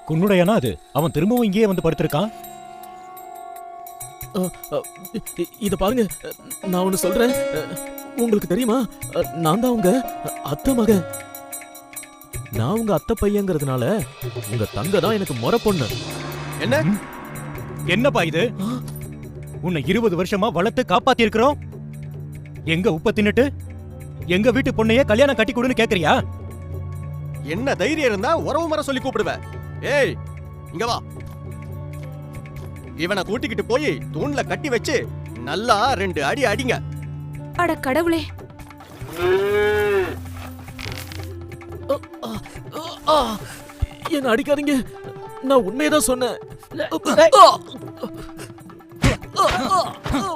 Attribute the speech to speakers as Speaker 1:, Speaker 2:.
Speaker 1: குன்னுடையானா அது? அவன் திரும்பவும் இங்கேயே வந்து படுத்திருக்கான்.
Speaker 2: இத பாருங்க, நான் ஒண்ணு சொல்றேன். உங்களுக்கு தெரியுமா, நான் தான் உங்க அத்தை மகன். நான் உங்க அத்தை பையங்கிறதுனால உங்க தங்க தான் எனக்கு முறை பொண்ணு.
Speaker 3: என்ன
Speaker 1: என்னப்பா இது? உன்னை 20 வருஷமா வளர்த்து காப்பாத்தி இருக்கிறோம். எங்க உப்ப தின்னுட்டு எங்க வீட்டு பொண்ணையே கல்யாணம் கட்டி கொடுன்னு கேக்குறியா?
Speaker 3: என்ன தைரியம் இருந்தா உறவு முறை சொல்லி கூப்பிடுவ? ஏய் இங்க வா. இவனை கூட்டிக்கிட்டு போய் தூண்ல கட்டி வச்சு நல்லா 2 அடி அடிங்க.
Speaker 4: அட கடவுளே!
Speaker 2: என்ன அடிக்காதீங்க, நான் உண்மையதான் சொன்னேன்.